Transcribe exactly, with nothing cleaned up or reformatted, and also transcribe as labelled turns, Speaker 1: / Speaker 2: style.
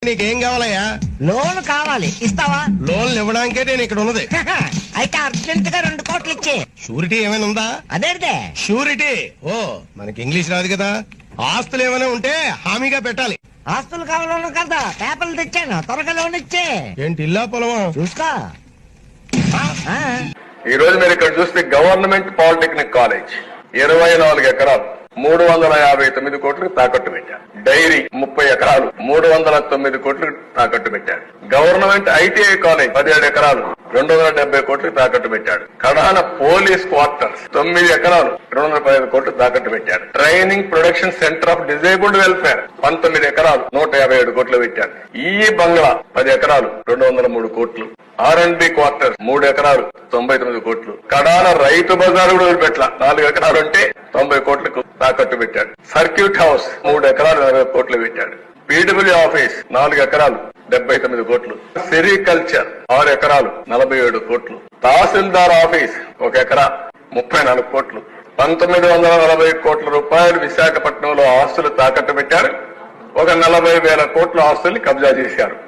Speaker 1: నీకేం కావాలయ్యా?
Speaker 2: లోన్ కావాలి, ఇస్తావా?
Speaker 1: లోన్లు ఇవ్వడానికే నేను ఇక్కడ ఉన్నది.
Speaker 2: అయితే అర్జెంట్ గా రెండు కోట్లు ఇచ్చే.
Speaker 1: షూరిటీ ఏమైనా ఉందా?
Speaker 2: అదేంటే
Speaker 1: షూరిటీ? ఓ, మనకి ఇంగ్లీష్ రాదు కదా. ఆస్తులు ఏమైనా ఉంటే హామీగా పెట్టాలి.
Speaker 2: ఆస్తులు కావాలను కదా, పేపర్లు తెచ్చాను, త్వరగా లోన్ ఇచ్చే.
Speaker 1: ఏంటి ఇల్లా పొలమా?
Speaker 2: చూసుకో. ఆ,
Speaker 3: ఈ రోజు మీరు ఇక్కడ చూస్తే గవర్నమెంట్ పాలిటెక్నిక్ కాలేజ్ ఇరవై నాలుగు ఎకరాలు మూడు వందల యాభై తొమ్మిది కోట్లు తాకట్టు పెట్టారు. డైరీ ముప్పై ఎకరాలు మూడు వందల తొమ్మిది కోట్లు తాకట్టు పెట్టాడు. గవర్నమెంట్ ఐటీఐ కాలేజ్ పదిహేడు ఎకరాలు రెండు వందల డెబ్బై కోట్లు తాకట్టు పెట్టాడు. కడాన పోలీస్ క్వార్టర్స్ తొమ్మిది ఎకరాలు రెండు వందల పదిహేను కోట్లు తాకట్టు పెట్టాడు. Training production centre of disabled welfare పంతొమ్మిది ఎకరాలు నూట యాభై ఏడు కోట్లు పెట్టాడు. ఈ బంగ్లా పది ఎకరాలు రెండు వందల మూడు కోట్లు. ఆర్ అండ్ బి క్వార్టర్ మూడు ఎకరాలు తొంభై తొమ్మిది కోట్లు. కడాన రైతు బజార్ కూడా వదిలిపెట్ల నాలుగు ఎకరాలు ఉంటే తొంభై కోట్లకు తాకట్టు పెట్టాడు. సర్క్యూట్ హౌస్ మూడు ఎకరాలు నలభై కోట్లు పెట్టాడు. పీడబ్ల్యూ ఆఫీస్ నాలుగు ఎకరాలు డెబ్బై తొమ్మిది కోట్లు. సెరికల్చర్ ఆరు ఎకరాలు నలభై ఏడు కోట్లు. తహసీల్దార్ ఆఫీస్ ఒక ఎకరా ముప్పై నాలుగు కోట్లు. పంతొమ్మిది వందల నలభై కోట్ల రూపాయలు విశాఖపట్నంలో ఆస్తులు తాకట్టు పెట్టారు. ఒక నలభై వేల కోట్ల ఆస్తుల్ని కబ్జా చేశారు.